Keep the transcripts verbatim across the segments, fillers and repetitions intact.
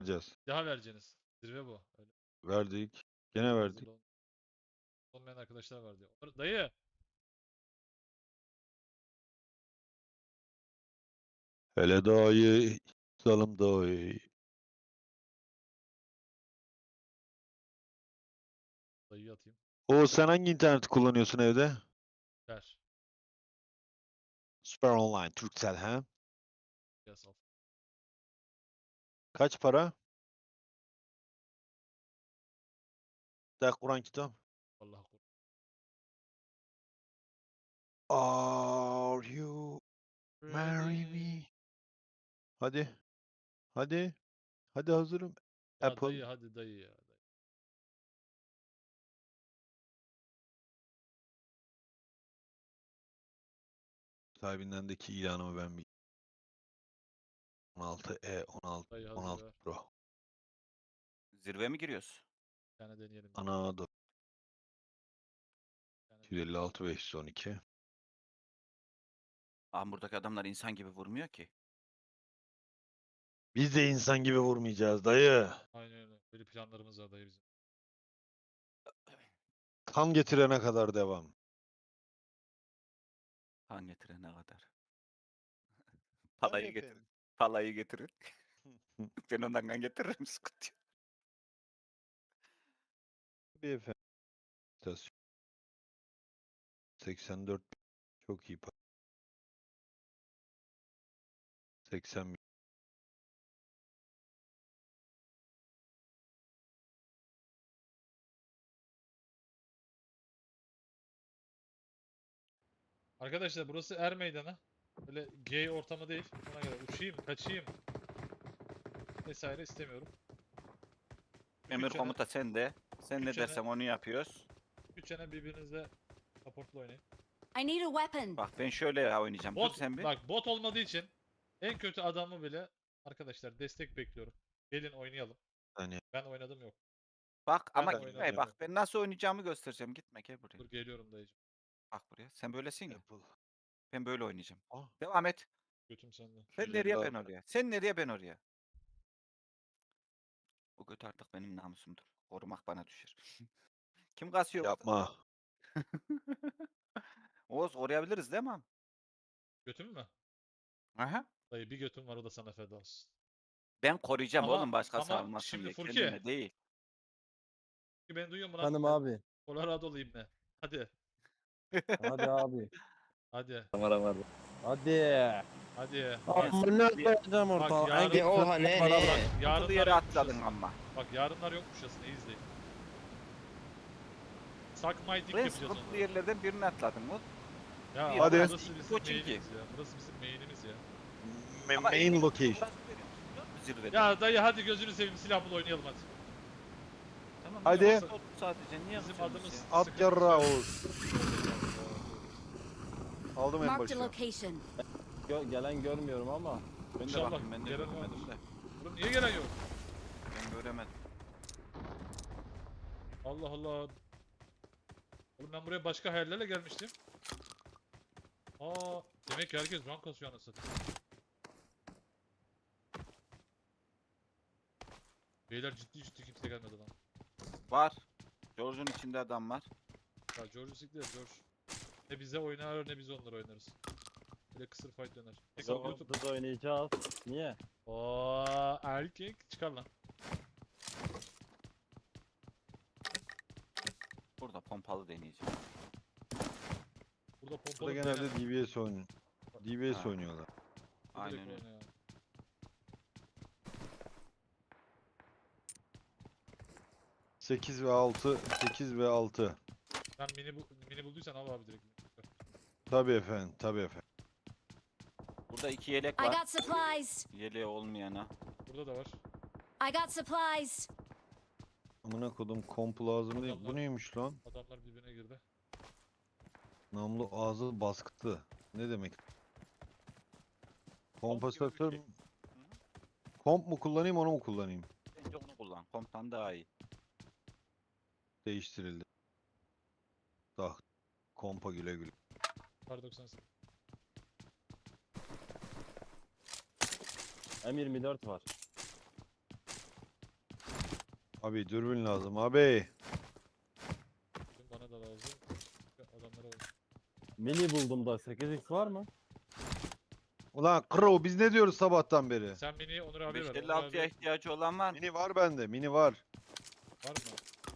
vereceğiz. Daha vereceğiniz. Zirve bu. Öyle Verdik. Gene hazır verdik. ol- olmayan arkadaşlar var diyor. Dayı. Hele dayı. Salım dayı. Dayıyı atayım. O sen hangi interneti kullanıyorsun evde? Ver. Süper Online, Turkcell ha? Yaz al. Kaç para? Der Kur'an kitap. Vallahi kur. Are you marry Ready. me? Hadi. Hadi. Hadi hazırım. Ya Apple. dayı hadi dayı ya. Dayı. Sahibindendeki ilanımı ben bir on altı E on altı Dayı hazır on altı ver. Pro. Zirve mi giriyoruz? Bir tane deneyelim. Ana da Bir tane deneyelim. yüz elli altı beş yüz on iki. Aa, buradaki adamlar insan gibi vurmuyor ki. Biz de insan gibi vurmayacağız dayı. Aynen öyle. Böyle planlarımız var dayı bizim. Kan getirene kadar devam. Han getirene kadar. Tabii Palayı getirin. efendim. Palayı getirin. Ben ondan kan getiririm, sıkıntı yok. Tabii efendim. İstasyon. seksen dört çok iyi para. seksen bin. Arkadaşlar burası er meydanı. Böyle gay ortamı değil. Ona göre uçayım, kaçayım vesaire istemiyorum. Emir Üç sene- komuta sende. Sen ne üç sene- dersen onu yapıyoruz. Üç sene birbirinizle supportla oynayın. I need a weapon. Bak ben şöyle oynayacağım. Dur Bot, sen bir. bak bot olmadığı için en kötü adamı bile arkadaşlar destek bekliyorum. Gelin oynayalım. Hani Ben oynadım yok. Bak ama Ben gitme. oynadım. Bak ben nasıl oynayacağımı göstereceğim. Gitme gel buraya. Dur geliyorum dayıcım. Bak buraya. Sen böylesin ya. Apple. Ben böyle oynayacağım. Ah, Devam et. Götüm sende. Sen yüz elli nereye ben altı. oraya. Sen nereye ben oraya. Bu göt artık benim namusumdur. Korumak bana düşer. Kim kasıyor? orada? Yapma. Oğuz koruyabiliriz değil mi? Götüm mü? Aha. Dayı bir götüm var o da sana feda olsun. Ben koruyacağım Ama- oğlum başkası ama almasın şimdi diye. Furki. Kendime değil. Beni duyuyor musun lan? Efendim abi. Colorado'lu ibne. Hadi. Hadi abi. Hadi. Hadi. Hadi. Bak, Amına bir- koyacağım Bak ortalığı. yarın- En kötü Oha, ne, bana ne? bırak. Yarın Yarınlar yere yokmuşçasına. atladın ama. Bak yarınlar yokmuşçasına iyi izleyin. Suck my dick Ben yapacağız sıkıntılı onları. yerlerden birini atladın mı? Ya Bir Hadi. burası burası bizim coaching main'imiz ya. Burası bizim main'imiz ya. Ma- Ama main en- location. Burası benim. Zirvede. Ya dayı hadi gözünü seveyim silah bul oynayalım hadi. Tamam, Hadi. ya, oldu sadece niye Bizim yapıyorsunuz adımız ya? At sıkıntı yarrağı yok. Oğuz. Aldım en Marked a başına. location. Gö- gelen görmüyorum ama. Ben de İnşallah bakayım ben de gelen göremedim vardır. de. Oğlum niye gelen yok? Ben göremedim. Allah Allah. Oğlum ben buraya başka hayallerle gelmiştim. Aa, demek ki herkes rank kasıyor anasını. Beyler ciddi ciddi kimse gelmedi lan. Var. George'un içinde adam var. Ya George siktir George. Ne bize oynar ne biz onları oynarız. Böyle kısır fight döner. Biz, Bakalım YouTube. biz oynayacağız. Niye? Ooo erkek çıkar lan. Burada pompalı deneyeceğim. Burada pompalı Burada genelde D B S oynuyor. D B S Ha. oynuyorlar. Aynen öyle. sekiz ve altı. sekiz ve altı. Sen mini, bu, mini bulduysan al abi direkt. Tabii efendim. Tabii efendim. Burada iki yelek I var. got supplies. Yeleği olmayana. Burada da var. I got supplies. Amına kodum kompu lazım değil. Bu Adamlar- neymiş lan? Adamlar birbirine girdi. Namlu ağzı baskıtı. Ne demek? Komp gibi bir Kompansatör şey. mü? Komp mu kullanayım onu mu kullanayım? Bence onu kullan. Komptan daha iyi. Değiştirildi. Daha kompa güle güle. Kar doksan sekiz. M yirmi dört var. Abi dürbün lazım abi. Dürbün bana da lazım. Adamlara bak. Mini buldum da sekiz x var mı? Ulan Crow biz ne diyoruz sabahtan beri? Sen mini Onur abiye ver. Onur beş elli altıya abi ihtiyacı olan var mı? Mini var bende, mini var. var mı?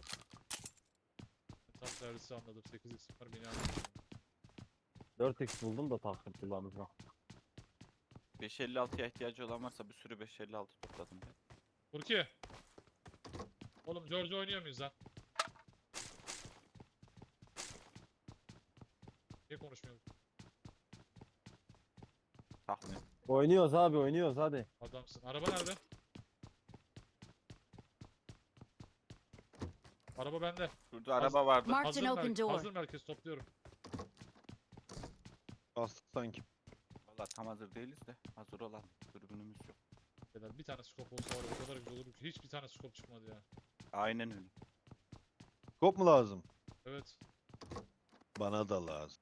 Tam servisi anladım. sekiz x var mini anladım. dört x buldum da takım kullanacağım. beş elli altıya ihtiyacı olan varsa bir sürü beş elli altı topladım ben. Burki. Oğlum George oynuyor muyuz lan? Niye konuşmuyoruz? Takmıyorum. Oynuyoruz abi oynuyoruz hadi. Adamsın. Araba nerede? Araba bende. Şurada araba vardı. Marked Hazır, an open mer- door. hazır merkez topluyorum. Bastık sanki. Valla tam hazır değiliz de hazır olan dürbünümüz yok. Beyler bir tane scope olsa var ya, o kadar güzel olur ki. Hiçbir tane scope çıkmadı ya. Aynen öyle. Kop mu lazım? Evet. Bana da lazım.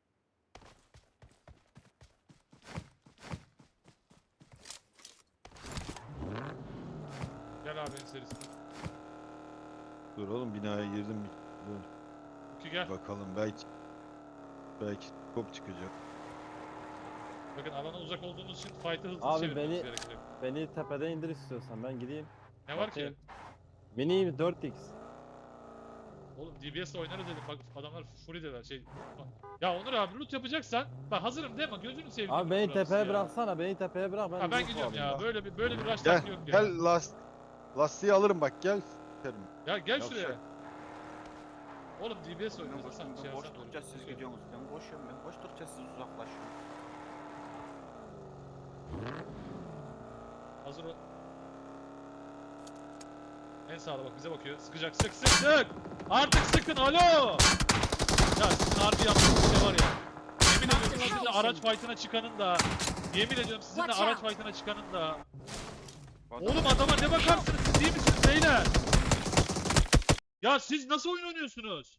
Gel abi en serisi. Dur oğlum binaya girdim. bir- Dur, Burki gel. bakalım belki belki kop çıkacak. Bakın alana uzak olduğumuz için fight'ı hızlı Abi çevirmemiz beni- gerekecek. Beni tepeden indir istiyorsan ben gideyim. Ne var ki? Bakayım. Mini dört x. Oğlum D B S'le oynarız dedim. Bak adamlar fury dediler şey. Ya Onur abi loot yapacaksan bak hazırım değil mi? Gözünü seveyim. Abi beni loot burası tepeye ya. bıraksana beni tepeye bırak ben Ha ben loot gidiyorum alayım ya. bak. Böyle bir böyle bir rush Gel, taktiği yok ya. gel last lastiği alırım bak gel. Sikerim. Ya gel Yavşak. şuraya. Oğlum D B S Ben oynuyoruz. boş, Sen şey ben boş yapsan durunca olur. siz gidiyorsunuz. Ben koşuyorum ben koştukça siz uzaklaşıyorsunuz. Hazır ol. En sağda bak bize bakıyor. Sıkacak. Sık sık sık. Artık sıkın. Alo. Ya sizin harbi yaptığınız şey var ya. Yemin ediyorum sizinle araç fight'ına çıkanın da. Yemin ediyorum sizinle Watch araç out. fight'ına çıkanın da. Bu adam- Oğlum adama ne bakarsınız? Siz iyi misiniz beyler? Ya siz nasıl oyun oynuyorsunuz?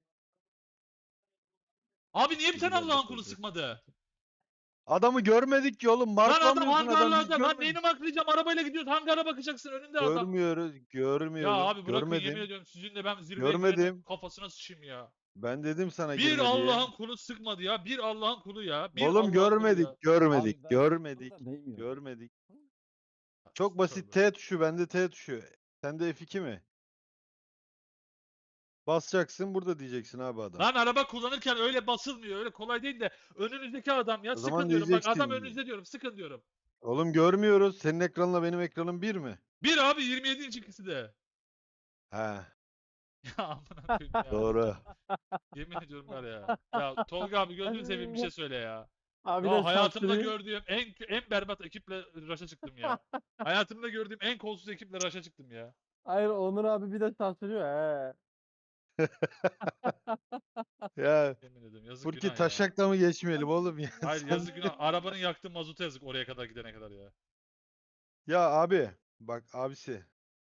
Abi niye bir tane Güzel Allah'ın bir kulu çocuk. sıkmadı? Adamı görmedik ki oğlum. Lan adam Marklamıyorsun adam. hangarlarda. Biz Lan görmedik. neyini maklayacağım? Arabayla gidiyoruz. Hangara bakacaksın. Önünde adam. Görmüyoruz, görmüyoruz. Ya abi bırakın yemin Görmedim. ediyorum sizinle ben zirveye Görmedim. girenin kafasına sıçayım ya. Ben dedim sana Bir girme diye. Allah'ın kulu sıkmadı ya. Bir Allah'ın kulu ya. Bir Oğlum Allah'ın kulu görmedik, ya. görmedik, Abi ben görmedik, burada değmiyorum. görmedik. Çok basit Tövbe. T tuşu, bende T tuşu. Sende F iki mi? Basacaksın burada diyeceksin abi adam. Lan araba kullanırken öyle basılmıyor. Öyle kolay değil de önünüzdeki adam ya O sıkın zaman diyorum. Bak adam diyeceksin. önünüzde diyorum. Sıkın diyorum. Oğlum görmüyoruz. Senin ekranla benim ekranım bir mi? Bir abi yirmi yedi inç ikisi de. He, Ya amına koyayım ya. doğru. Yemin ediyorum var ya. Ya Tolga abi gözünü seveyim bir şey söyle ya. Abi Ya de hayatımda sansürü- gördüğüm en en berbat ekiple raşa çıktım ya. Hayatımda gördüğüm en kolsuz ekiple raşa çıktım ya. Hayır Onur abi bir de sansürüyor he. Ya Yemin ediyorum yazık Furki günah ya. taşakla mı geçmeyelim oğlum ya? Hayır Sen- yazık günah. Arabanın yaktığı mazuta yazık oraya kadar gidene kadar ya. Ya abi bak abisi.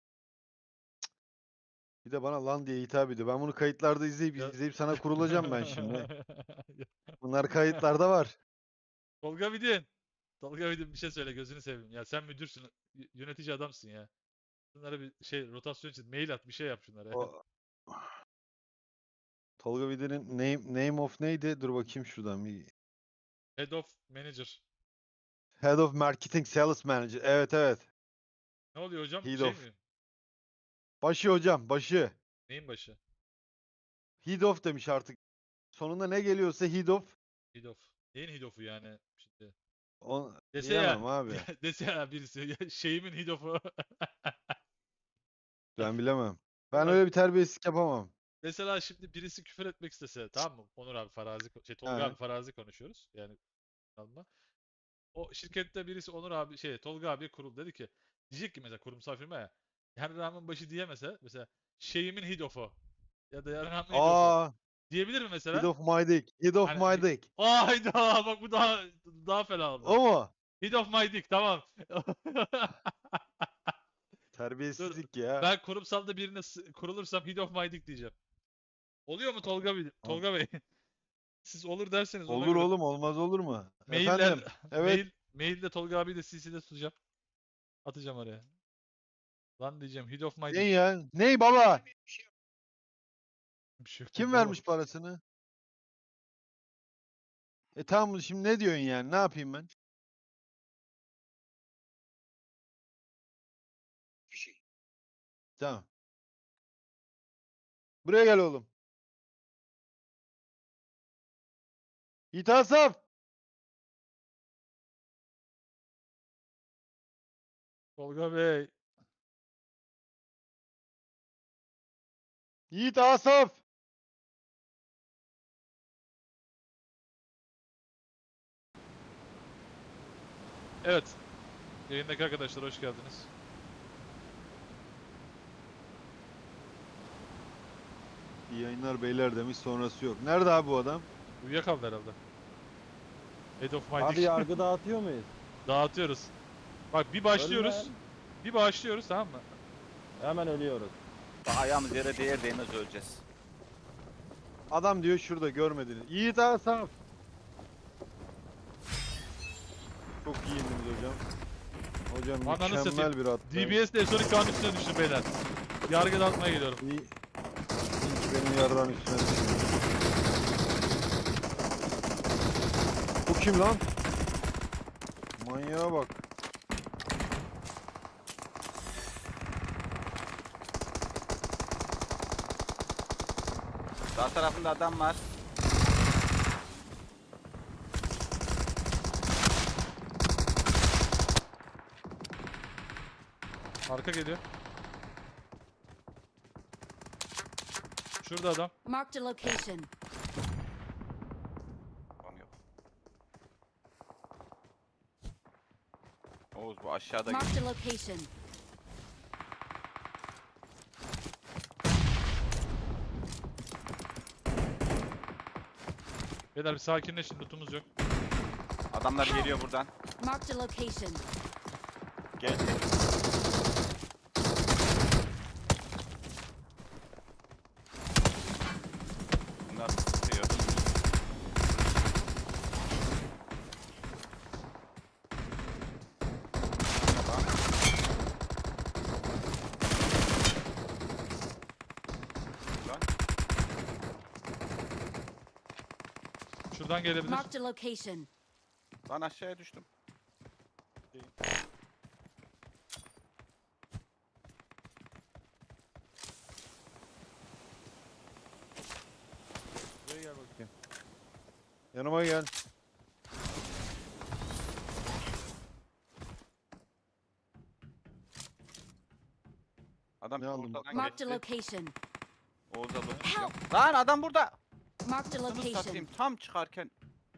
Bir de bana lan diye hitap ediyor. Ben bunu kayıtlarda izleyip Ya- izleyip sana kurulacağım ben şimdi. Bunlar kayıtlarda var. Tolga Vidin. Tolga Vidin bir şey söyle gözünü seveyim. Ya sen müdürsün. y- Yönetici adamsın ya. Bunlara bir şey rotasyon için mail at bir şey yap şunlara. O... Tolga Vider'in name, name of neydi? Dur bakayım şuradan bir. Head of Manager. Head of Marketing Sales Manager. Evet evet. Ne oluyor hocam? Head şey of. mi? Başı hocam başı. Neyin başı? Head of demiş artık. Sonunda ne geliyorsa head of. Head of. Neyin head of'u yani? Şimdi. On... Dese ya. Bilemem abi. Dese ya birisi. Ya şeyimin head of'u. Ben bilemem. Ben Ulan- öyle bir terbiyesizlik yapamam. Mesela şimdi birisi küfür etmek istese tamam mı? Onur abi farazi ko- şey Tolga He. abi farazi konuşuyoruz. Yani alma. O şirkette birisi Onur abi şey Tolga abi kurul dedi ki diyecek ki mesela kurumsal firma ya Yarrağımın başı diyemese mesela şeyimin head of'u ya da yarrağımın head of'u Aa, diyebilir mi mesela? head of my dick. Head of Hani- my dick. Hayda bak bu daha daha fena oldu. O mu? Head of my dick tamam. Terbiyesizlik ya. Ben kurumsalda birine s- kurulursam head of my dick diyeceğim. Oluyor mu Tolga Bey? Tolga Bey. Siz olur derseniz ona Olur göre. oğlum olmaz olur mu? Mailler, Efendim. Evet. Mail, mailde Tolga abi de C C'de tutacağım. Atacağım oraya. Lan diyeceğim Heat of my Ne dick. ya? Ney baba? Bir şey yok Kim baba. vermiş parasını? E tamam şimdi ne diyorsun yani? Ne yapayım ben? Tamam. Buraya gel oğlum. Yiğit Asaf. Tolga Bey. Yiğit Asaf. Evet. Yayındaki arkadaşlar hoş geldiniz. İyi yayınlar beyler demiş sonrası yok. Nerede abi bu adam? Uyuyakaldı herhalde. Head of my Abi dick. yargı dağıtıyor muyuz? Dağıtıyoruz. Bak bir başlıyoruz. Ölmem. Bir başlıyoruz tamam mı? Hemen ölüyoruz. Bak ayağımız yere değer değmez öleceğiz. Adam diyor şurada görmediniz. Yiğit Asaf. Çok iyi indiniz hocam. Hocam Ananı mükemmel satayım. bir attı. D B S de Sonic Kağan üstüne düştü beyler. Yargı dağıtmaya geliyorum. İyi. İyi ki benim yarran üstüne düştü. Bu kim lan? Manyağa bak. Sağ tarafında adam var. Arka geliyor. Şurada adam. Marked a location. Tamam yok. Oğuz bu aşağıda Marked a location. Beyler bir sakinleşin, lootumuz yok. adamlar geliyor buradan. Marked a location. Gel. Bunlar tutuyor. Tamam. Lan. Şuradan gelebilir. Marked a location. Lan aşağıya düştüm. Buraya gel bakayım. Yanıma gel. Adam Ne aldın ortadan Marked a geçti. location. Oğuz'a bakıyor. Help! Lan adam burada. Marked a Nasıl satayım location. tam çıkarken.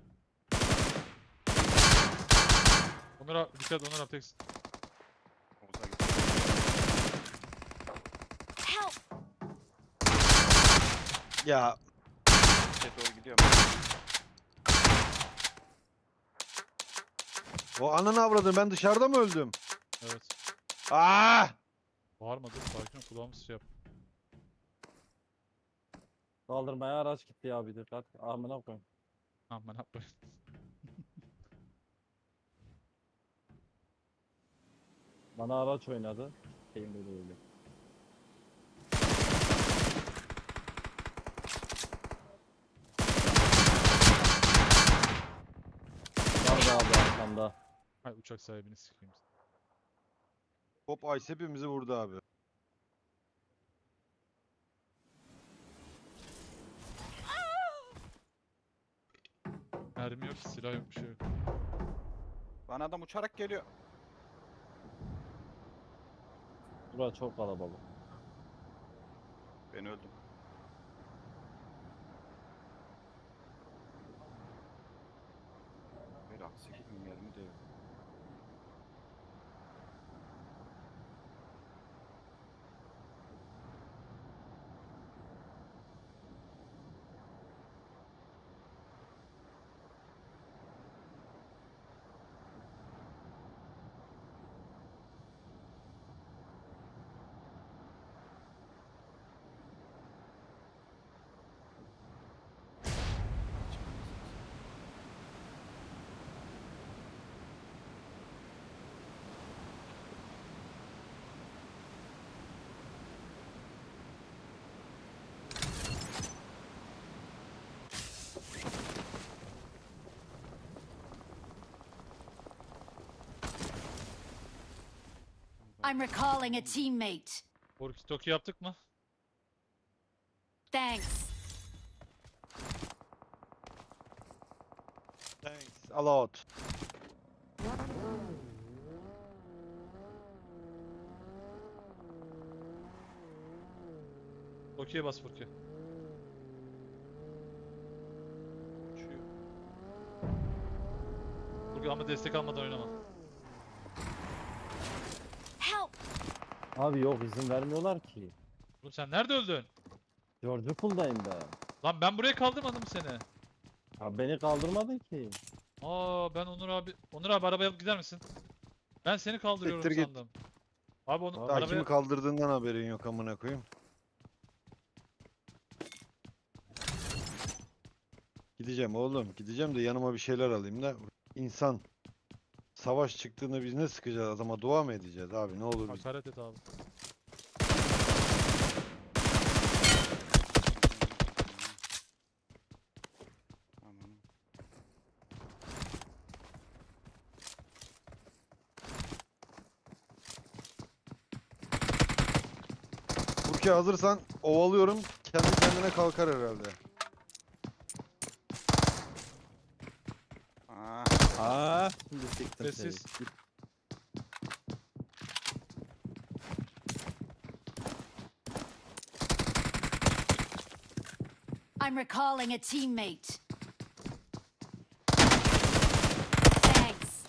Onur abi, dikkat Onur abi teksin. Oğuz'a gitti. Help! Ya Şey doğru gidiyor. o ananı avradın ben dışarıda mı öldüm? Evet. Aa! Bağırma dur, sakin ol, kulağımız şey yap. Kaldırmaya araç gitti ya bir dikkat. Amına koyayım. Aman yapmayın. Bana araç oynadı. Şeyim böyle öyle. Vardı abi arkamda. Hay uçak sahibini sikeyim. Hop Ice hepimizi vurdu abi. Mermi yok, silah yok, bir şey yok. Bana adam uçarak geliyor. Burası çok kalabalık. Ben öldüm. Bir aksi gibi mermi de yok. I'm recalling a teammate. Walkie talkie yaptık mı? Thanks. Thanks a lot. Tokyo'ya bas Furki. Uçuyor. Furki ama destek almadan oynama. Help! Abi yok izin vermiyorlar ki. Oğlum sen nerede öldün? George Pool'dayım ben. Lan ben buraya kaldırmadım seni. Abi beni kaldırmadın ki. Aa ben Onur abi. Onur abi arabaya alıp gider misin? Ben seni kaldırıyorum Siktir git. sandım. Abi onu Daha Daha arabaya... kimi kaldırdığından haberin yok amına koyayım. Gideceğim oğlum. Gideceğim de yanıma bir şeyler alayım da. İnsan savaş çıktığında biz ne sıkacağız adama, dua mı edeceğiz abi, ne olur biz. Hakaret et abi. Aman. Burki hazırsan ovalıyorum, kendi kendine kalkar herhalde. Aa, Aa, şimdi siktim seni. Sessiz. Git. I'm recalling a teammate. Thanks.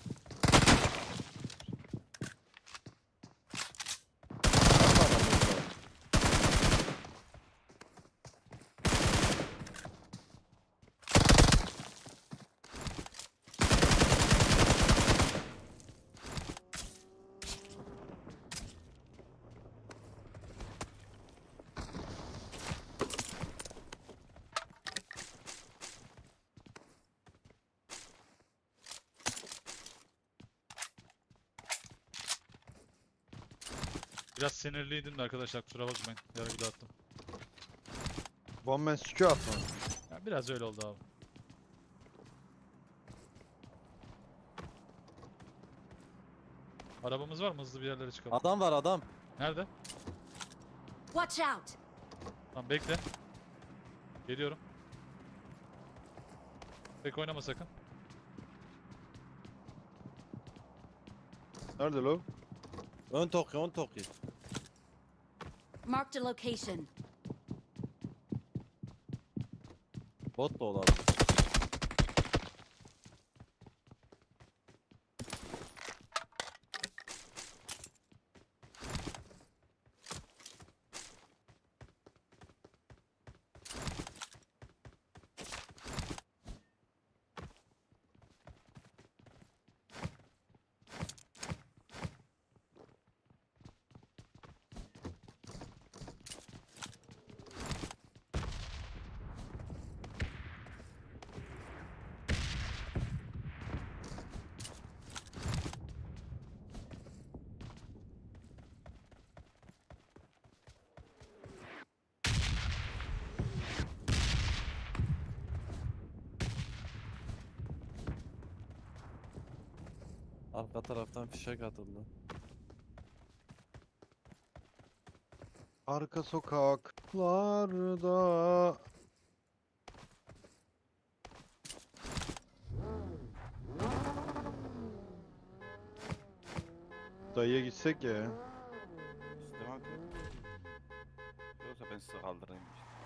Biraz sinirliydim de arkadaşlar kusura bakmayın. Yarı bir attım. Bomben sükü atma. Ya biraz öyle oldu abi. Arabamız var mı? Hızlı bir yerlere çıkalım. Adam var adam. Nerede? Watch out! Tamam bekle. Geliyorum. Pek oynama sakın. Nerede lo? Ön Tokyo, ön Tokyo. Marked a location. Bot da olabilir. Arka taraftan fişek atıldı. Arka sokaklarda. Dayıya gitsek ya. istemem ki. Yoksa ben sizi kaldırayım.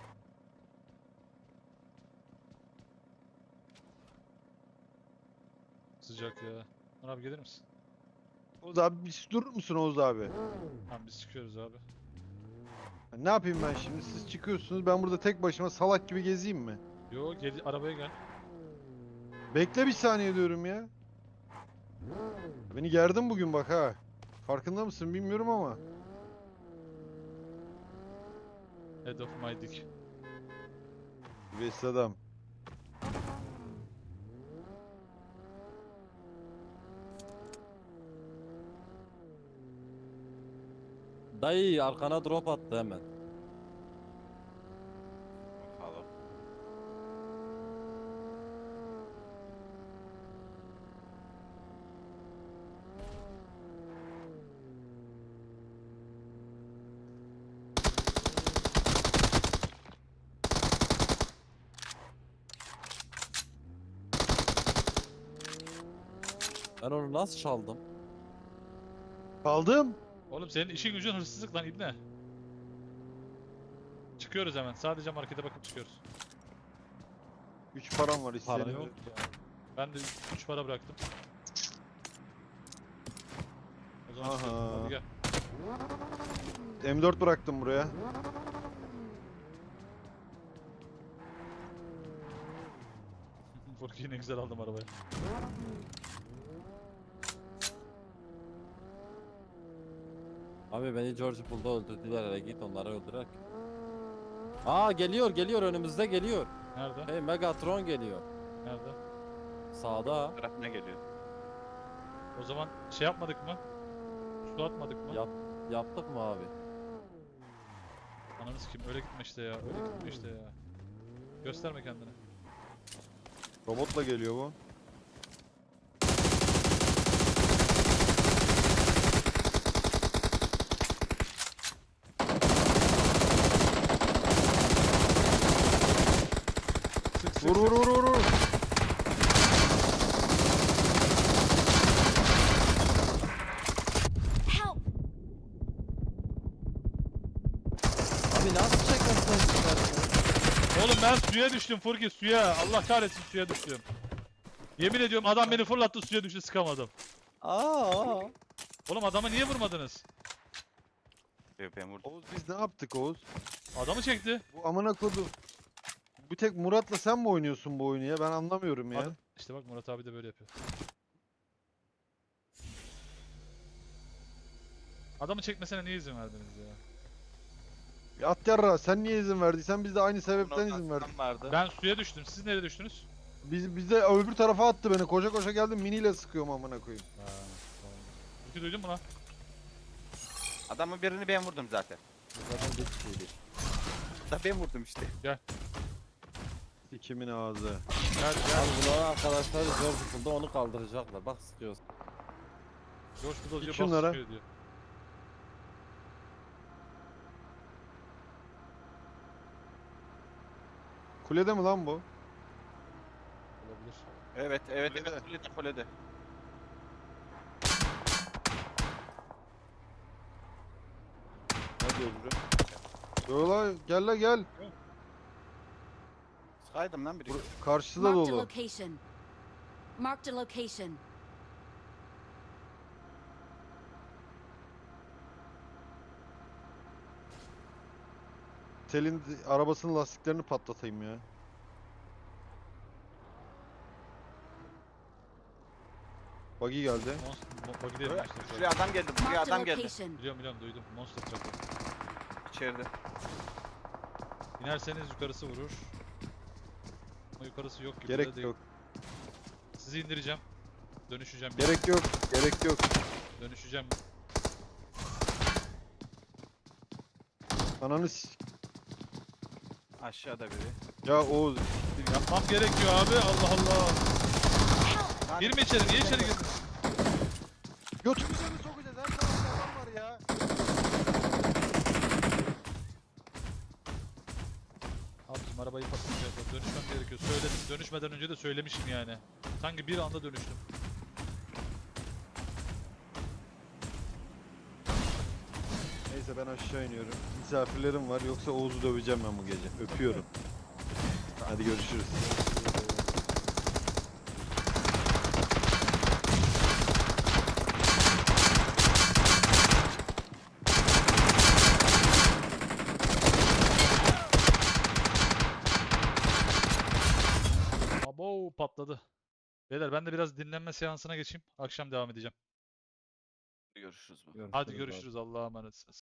Sıcak ya. Onur abi gelir misin? Oğuz abi bir durur musun Oğuz abi? Tamam biz çıkıyoruz abi. Ne yapayım ben şimdi? Siz çıkıyorsunuz, ben burada tek başıma salak gibi gezeyim mi? Yo gel arabaya gel. Bekle bir saniye diyorum ya. Beni gerdin bugün bak ha. Farkında mısın bilmiyorum ama. Head of my dick. Vesile adam. Dayı arkana drop attı hemen. Bakalım. Ben onu nasıl çaldım? Kaldım. Oğlum senin işin gücün hırsızlık lan ibne. Çıkıyoruz hemen. Sadece markete bakıp çıkıyoruz. üç param var Para istedim. yok ya. Ben de üç para bıraktım. O zaman Aha. çıkıyoruz. Hadi gel. M dört bıraktım buraya. Furki'yi ne güzel aldım arabayı. Abi beni George Pool'da öldürdüler, hele git onları öldürerek. Aa geliyor geliyor, önümüzde geliyor. Nerede? Hey, Megatron geliyor. Nerede? Sağda. Tarafına geliyor. O zaman şey yapmadık mı? Su atmadık mı? Yap, yaptık mı abi? Ananı sikeyim öyle gitme işte ya. Öyle gitme işte ya. Gösterme kendini. Robotla geliyor bu. Sık sık Vur vur sık. vur vur vur. Help! Abi nasıl çekmezsen çıkartıyorsun? Oğlum ben suya düştüm Furki suya. Allah kahretsin suya düştüm. Yemin ediyorum adam beni fırlattı suya düştü sıkamadım. Aa. Oğlum adama niye vurmadınız? Diyor, ben vurdum. Oğuz biz ne yaptık Oğuz? Adamı çekti. Bu amına kodu. Bir tek Murat'la sen mi oynuyorsun bu oyunu ya? Ben anlamıyorum ya. Ad- İşte bak Murat abi de böyle yapıyor. Adamı çekmesine niye izin verdiniz ya? Ya at yarra sen niye izin verdiysen biz de aynı sebepten Bunun izin verdik. aslan vardı. Ben suya düştüm. Siz nereye düştünüz? Biz bize öbür tarafa attı beni. Koşa koşa geldim miniyle sıkıyorum amına koyayım. Ha, tamam. Furki duydun mu lan? Adamın birini ben vurdum zaten. Zaten bir kişiydi. Da ben vurdum işte. Kimin ağzı. Gel gel. Abi bunların arkadaşları George Pool'da onu kaldıracaklar. Bak sıkıyorsun. George Bull diyor Git bas şunlara. sıkıyor diyor. Kulede mi lan bu? Olabilir. Evet evet Kulede. evet kulede kulede. Ne diyor öbürü? Yo la gel la gel. Sıkaydım lan biri. Bur- Karşıda Marked a dolu. location. Marked a location. Selin d- arabasının lastiklerini patlatayım ya. Buggy geldi. Monster, buggy değil Monster Truck. Şuraya adam geldi. Buraya Marked a adam geldi. location. Biliyorum biliyorum duydum. Monster Truck. İçeride. İnerseniz yukarısı vurur. Ama yukarısı yok gibi de Gerek değil. yok. Sizi indireceğim. Dönüşeceğim. Gerek yok. Gerek yok. Dönüşeceğim. Ananı s- Aşağıda biri. Ya Oğuz. Yapmam gerekiyor abi. Allah Allah. Lan Girme içeri. Niye içeri girdin? Götümüze mi sokacağız? Her tarafta adam var ya. Abi bizim arabayı patlatacağız. Dönüşmem gerekiyor. Söyledim. Dönüşmeden önce de söylemişim yani. Sanki bir anda dönüştüm. Neyse ben aşağı iniyorum. Misafirlerim var yoksa Oğuz'u döveceğim ben bu gece. Öpüyorum. Hadi görüşürüz. Abo patladı. Beyler ben de biraz dinlenme seansına geçeyim. Akşam devam edeceğim. görüşürüz bu. Hadi abi. görüşürüz. Allah'a emanetsiniz.